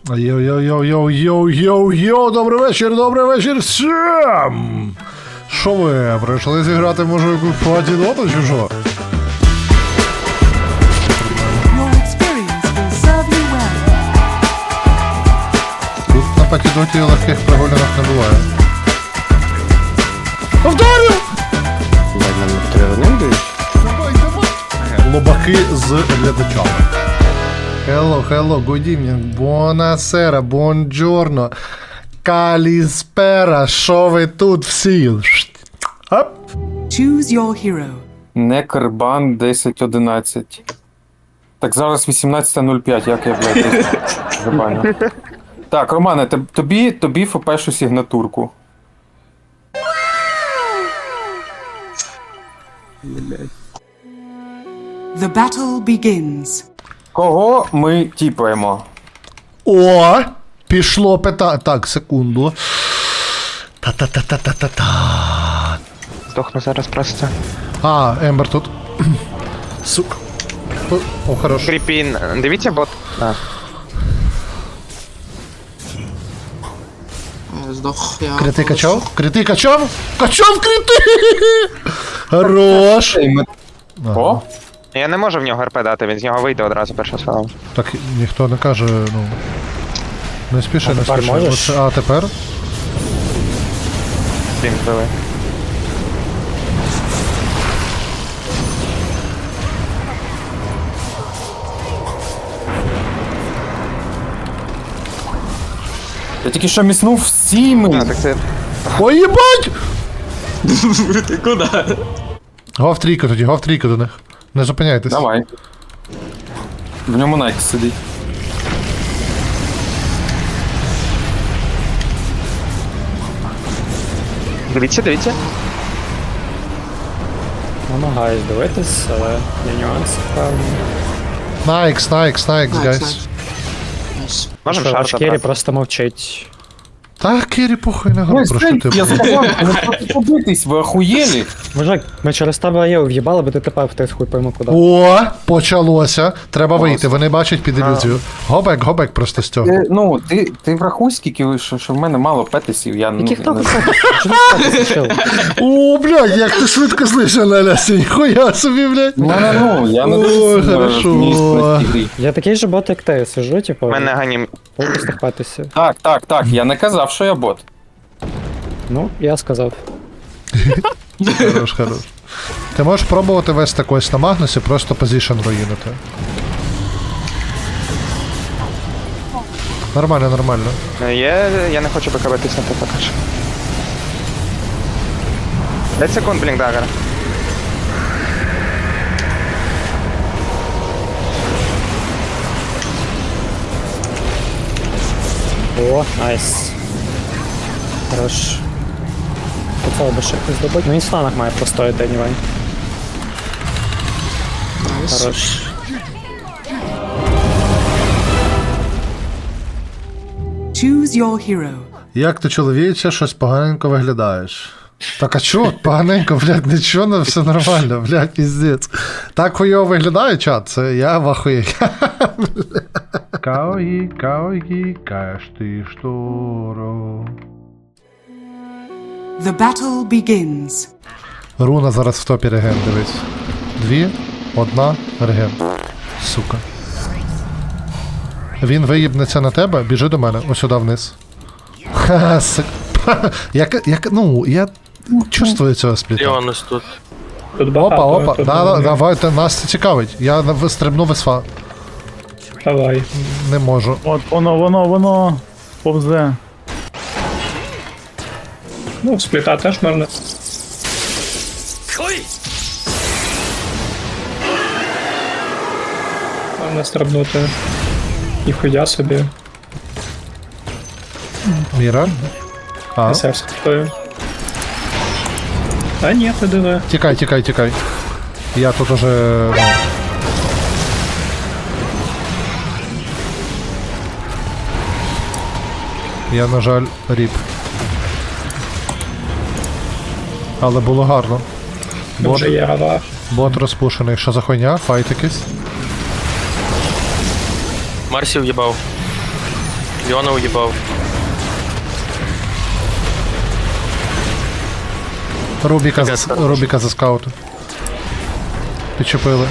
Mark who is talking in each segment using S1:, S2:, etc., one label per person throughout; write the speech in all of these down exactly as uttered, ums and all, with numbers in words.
S1: Йоу-йоу-йоу-йоу-йоу-йоу, добрий вечір, добрий вечір всім! Що ви, прийшли зіграти, може, якусь патідоту чи що? Тут на патідоті легких прогулянок не буває. Повторю! Лобаки з глядачами. Hello, hello, good evening, buonasera, buongiorno, каліспера, що ви тут всі? Оп.
S2: Choose your hero.
S3: Некербан десять одинадцять. Так, зараз вісімнадцята нуль п'ять, як я, блядь, забаню. Так, Романе, тоб- тобі, тобі фпшу сигнатурку.
S2: The battle begins.
S3: Кого ми тіпаємо?
S1: О, пішло пита... Так, секунду. Та-та-та-та-та-та-та.
S4: Здохну зараз просто.
S1: А, Ембер тут. Сука. О, о, хорош.
S4: Кріпін, дивіться бот. А.
S5: Здох, я...
S1: Крити качав? Крити качав? Качав крити! Хорош.
S3: Ей, ми- О?
S4: Я не можу в нього РП дати, він з нього вийде одразу перша справа.
S1: Так ніхто не каже, ну. Не спіши, не
S6: тепер
S1: спіши.
S6: можеш?
S1: Оце- А тепер?
S4: Він вбили.
S3: Я тільки що міснув всіми.
S4: А, так це...
S1: Ой, їбать!
S5: Ти куди?
S1: Гов трійка тоді, гов трійка до них. Не зупиняйтесь.
S3: Давай. В ньому Найк сидить.
S4: Дивіться, дивіться.
S6: Намагаюсь дивитись, але є нюанси, певно.
S1: Найкс, найкс, найкс, гайс.
S4: Можемо
S6: Що,
S4: шар
S6: Ашкері
S4: забрати.
S6: просто мовчить.
S1: Та Кері похуй на гру,
S3: Ой,
S1: про що
S3: Сень,
S1: ти?
S3: я сказав, не хочете побитись, ви охуєлі?
S6: Мужик, ми через тебе є в'їбали, бо ти тепер втис хуй пойму куди.
S1: О, почалося. Треба вийти, вони бачать під ілюзію. Гобек, гобек просто з цього.
S3: Ти, ну, ти, ти врахуй, скільки ви, що, що в мене мало петисів, я ну,
S6: Яких там
S3: не-
S6: писав?
S1: О, блядь, як ти швидко слышав, Наляся, ніхуя собі, блядь.
S3: Ну, ну, ну, я не
S1: Ой,
S3: дуже сильно
S1: хорошо.
S3: розуміюсь на цій грі.
S6: Я такий же бот, як ти, сижу, типу,
S4: У мене ганім.
S6: буду стихпатися.
S3: Так, так, так, я не казав, що я бот.
S6: Ну, я сказав.
S1: Хорош, хорош. Ти можеш пробувати вести когось на Магнусі, просто позишн руїнити. Нормально, нормально.
S4: Є, я не хочу БКБ тиснути поки що. п'ять секунд, блінк дагер.
S6: О, найс. Хорош. Поцел би ще якось добить. Ну він в станах має простояти, anyway. Хорош.
S2: Choose your hero.
S1: Як ти, чоловіче, щось поганенько виглядаєш? Так а чо? Поганенько, блядь, нічого, ну, все нормально, блядь, піздець. Так хуйово виглядає, чат, це я в ахуї. Каої, каої, каєш ти шторо.
S2: The battle begins.
S1: Руна зараз в топі реген, дивись. Дві, одна, реген. Сука. Він виїбнеться на тебе, біжи до мене, ось сюди вниз. Ха, сик. Як, як, ну, я чувствую цього спліта.
S7: Леонус тут.
S6: Тут
S1: Опа,
S6: багато.
S1: опа,
S6: тут
S1: да, да,
S6: багато.
S1: давайте, нас це цікавить. Я нав- стрибну в СФА.
S6: Давай.
S1: Не можу.
S8: От воно, воно, воно повзе.
S6: Ну, спліта теж можна. Можна стрибнути. Ніхуя собі.
S1: Міра. А,
S6: Серце стою. Та ні, ти диви.
S1: тікай, тікай, тікай. Я тут уже... ну. Я, на жаль, ріп. Але було гарно. Бот,
S6: Дуже є гава.
S1: бот розпушений. Що за хуйня? Файт якийсь?
S7: Марсів їбав. Леона уїбав.
S1: Рубіка, за, Рубіка за скауту. Підчепили.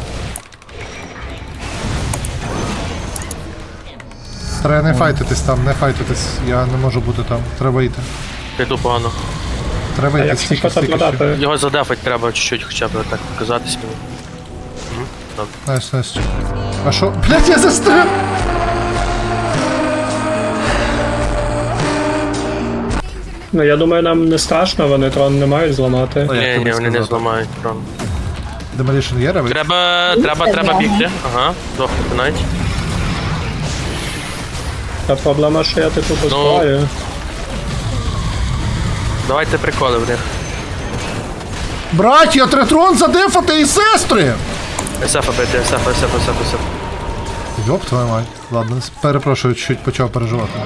S1: Треба не файтитись там, не файтитись. Я не можу бути там. Треба йти.
S7: Піду погано.
S1: Треба
S6: А
S1: йти
S6: як
S1: стільки,
S6: щось
S1: стільки.
S6: продати?
S7: Його задефать треба чуть-чуть хоча б так показатись мені.
S1: Найс, найс. А що? Блять, я застряг!
S6: Ну я думаю, нам не страшно, вони трон не мають зламати.
S1: Ой, як
S7: Ні,
S1: тобі
S7: ні, вони не
S1: сказати?
S7: зламають трон.
S1: Demolition є ревик?
S7: Треба, треба, треба бігти. Ага, дохнути навіть.
S6: Та проблема, що я типу
S7: Ну.
S6: поспаю.
S7: Давайте приколи в них.
S1: Браття, третрон задефати і сестри!
S7: Есефа бити, есефа, есефа, есефа, есефа.
S1: Йоп, твою мать. Ладно, перепрошую, чуть почав переживати.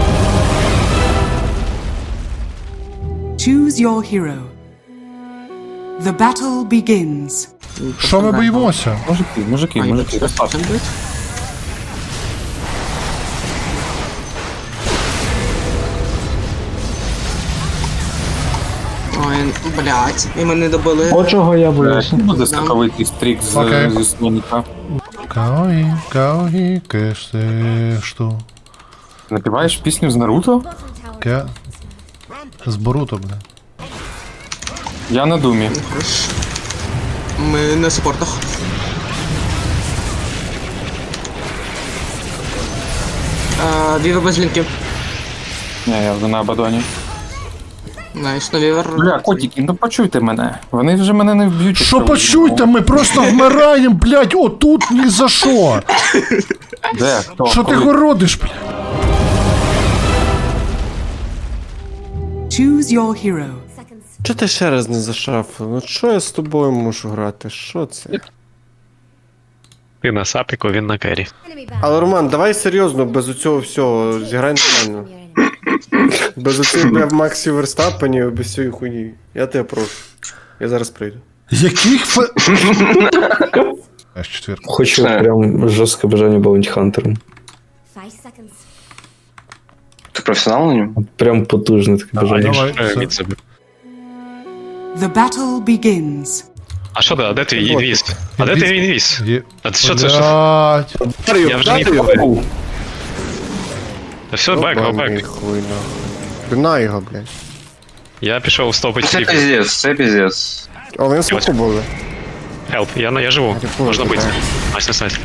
S2: Choose your hero. The battle begins.
S1: Що ми боїмося?
S3: Мужики, мужики,
S5: А,
S3: мужики,
S5: їбать,
S3: розслабте.
S5: там бить? Ой, блядь, і мене добили.
S6: От чого я боюся.
S3: Буде скаковитий стрік з,
S1: Окей.
S3: зі слоніка.
S1: Каої, каої, кештешту.
S3: Напіваєш пісню з Наруто?
S1: Ке... З Боруто, бля.
S3: Я на думі.
S5: Хорош. Ми на супортах. А, Вівер без лінків.
S3: Ні, я вже на Абадоні.
S5: Найс, на вівер.
S3: Бля, котики, ну почуйте мене. Вони вже мене не вб'ють.
S1: Що
S3: якщо
S1: почуйте, ми просто вмираємо, блядь, отут ні за що.
S3: Де? Хто?
S1: Що ти
S3: Коли?
S1: городиш, блядь?
S2: Choose your hero.
S9: Чого ти ще раз не зашафив? Ну що я з тобою можу грати? Що це?
S10: Ти на сапіку, він на кері.
S9: Але Роман, давай серйозно, без оцього всього, зіграй нормально. Без оцих бля, Максі Верстапенів, без цієї хуйні. Я тебе прошу. Я зараз прийду.
S1: Яких фе... Аж четвірку.
S6: Хочу прям жорстке бажання баунті хантером.
S7: Ти професіонал на ньому?
S6: Прям потужне таке бажання.
S1: Давай,
S10: Е,
S1: все.
S10: від себе.
S2: The battle begins.
S10: А що ти, а де твій інвіз? А де твій інвіз?
S1: Є...
S10: А що це? Що?
S1: Блядь.
S10: Я вже не ховаю. Та все, бек, го,
S9: Ебаний
S10: бек.
S9: хуй, нахуй. Бина його, блядь.
S10: Я пішов стопить сліп.
S7: піздець, це піздець.
S9: А вони смаку були.
S10: Хелп, я, на- я живу.
S9: Рятую,
S10: Можна бити.
S9: так.
S10: Найс, найс, найс.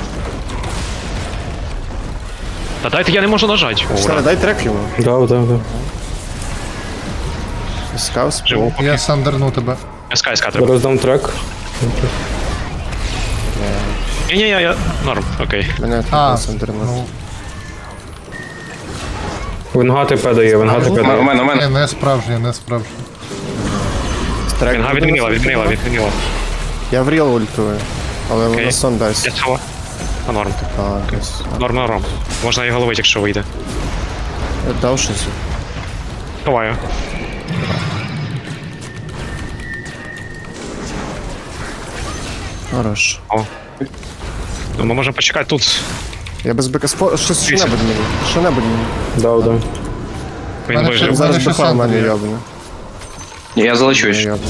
S10: Та дайте, я не можу нажати. О,
S9: Старе,
S10: ура.
S9: дай трек йому.
S6: Да, да, да.
S9: Скаус.
S10: Живу.
S1: Я сандерну тебе.
S10: СК, СК треба.
S6: Роздам трек.
S10: Ні, ні, я, я, норм, окей.
S9: Мене
S1: А,
S9: тут сандернув.
S1: ну,
S6: Венга ТП дає, Венга ТП дає.
S7: мене, у
S1: не, не справжнє, не справжнє.
S9: Трек
S10: Вінга
S9: буде
S10: відмінила,
S9: на
S10: відмінила, відмінила.
S9: Я в ріл ультую. Але
S10: Окей.
S9: вона сон
S10: Я
S9: дасть.
S10: цього. А норм.
S9: А, десь.
S10: Норм, норм. Можна його ловити, якщо вийде.
S9: Я дав щось.
S10: Ховаю.
S9: Хорош.
S10: Ну, ми можемо почекати тут.
S9: Я без бека спо... Щось що-небудь мені. Що-небудь мені.
S6: Дав, да.
S10: Він
S1: Мене ще-
S10: вижив.
S1: Зараз
S9: Зараз
S1: щось
S9: бека в мене
S1: сандер є.
S9: йобне.
S7: Я залечусь.
S9: Йобне.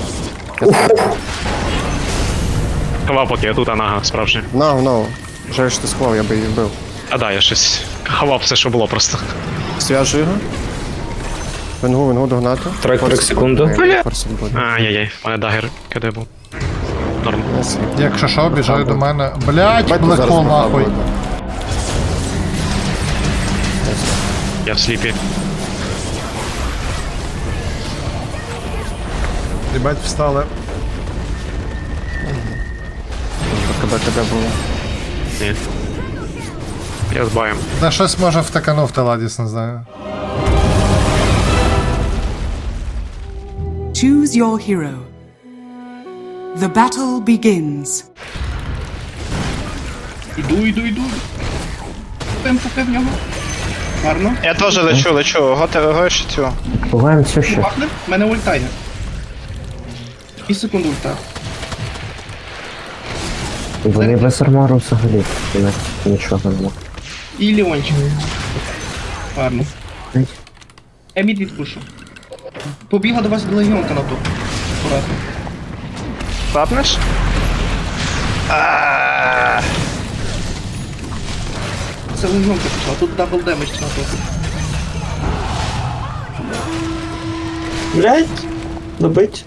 S10: Ховав поки, я тут анага, справжня.
S9: Нау, нау. Жаль, що ти склав, я би її вбив.
S10: А да, я щось ховав все, що було просто.
S9: Свяжу його. Венгу, венгу догнати.
S6: Трек трек секунду.
S9: Форсит буде.
S10: Ай-яй-яй, у мене дагер КД був. Норм.
S1: Якщо що, біжай до мене. Блять,
S9: Бать, тут зараз
S1: блекхол
S9: баха
S1: нахуй.
S9: буде.
S10: Я в сліпі.
S1: Єбать, встали.
S9: КБ, КБ було.
S10: Ні. Я з баєм.
S1: Да щось може втаканув Теладіс, не знаю.
S2: Choose your hero. The battle begins.
S5: Іду, іду, іду. Темпо в нього. Гарно.
S7: Я теж лечу, лечу. Готовий гойш цю.
S6: Буваємо все ще.
S5: Бахне, в мене ульта є. І секунду ульта.
S6: Вони без армору взагалі. Нічого нема.
S5: І Леончик. Гарно. Я мід відпушу. Побігла до вас легіонка на топ. Аккуратно.
S4: Клапнеш?
S5: Це легіонка пішла, тут дабл демедж на топі.
S6: Блять, добить.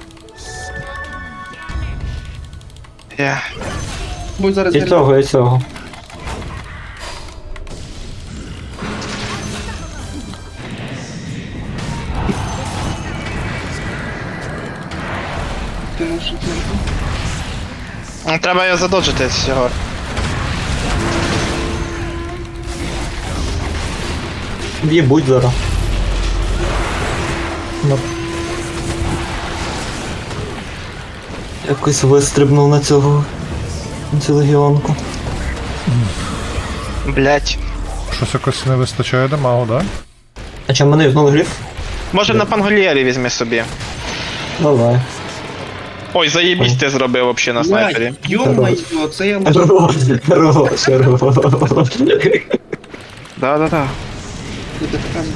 S4: Я.
S5: Бо зараз
S6: І цього, і цього.
S5: Ти можеш відмінити.
S4: Ну, треба його задоджити цього.
S6: В'єбуть зараз. Ну. Якось вистрибнув на цього. На цю легіонку.
S4: Блять.
S1: Щось якось не вистачає дамагу, да?
S6: А чим мене юзнули гліф?
S4: Може на пангольєрі візьми собі.
S6: Давай.
S4: Ой, заєбісь ти зробив вообще на снайпері.
S5: Йо-моє, це я лише...
S6: Хорош, хорош, хорош.
S4: Да-да-да.
S5: Буде показувати.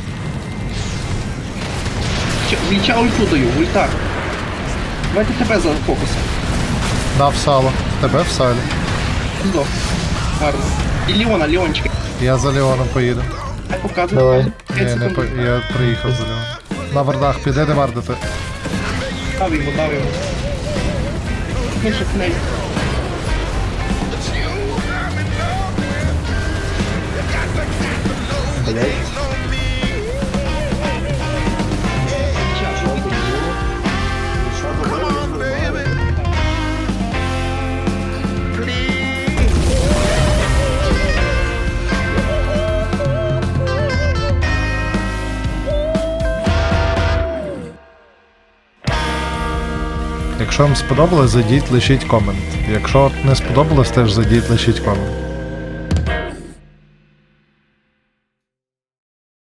S5: Ч- Віча ульту даю, ульта. Давайте тебе за фокусом.
S1: Дав сало. Тебе в салі.
S5: Здох. Гарно. І Леона, Леончик.
S1: Я за Леоном поїду.
S5: Хай показує.
S6: Давай.
S5: п'ять
S1: Ні, не
S5: секунд.
S1: по... я приїхав за Леоном. На вардах піде де вардити.
S5: Дав йому, дав йому. Ну, що князь.
S1: Якщо вам сподобалось, зайдіть, лишіть комент. Якщо не сподобалось, теж зайдіть, лишіть комент.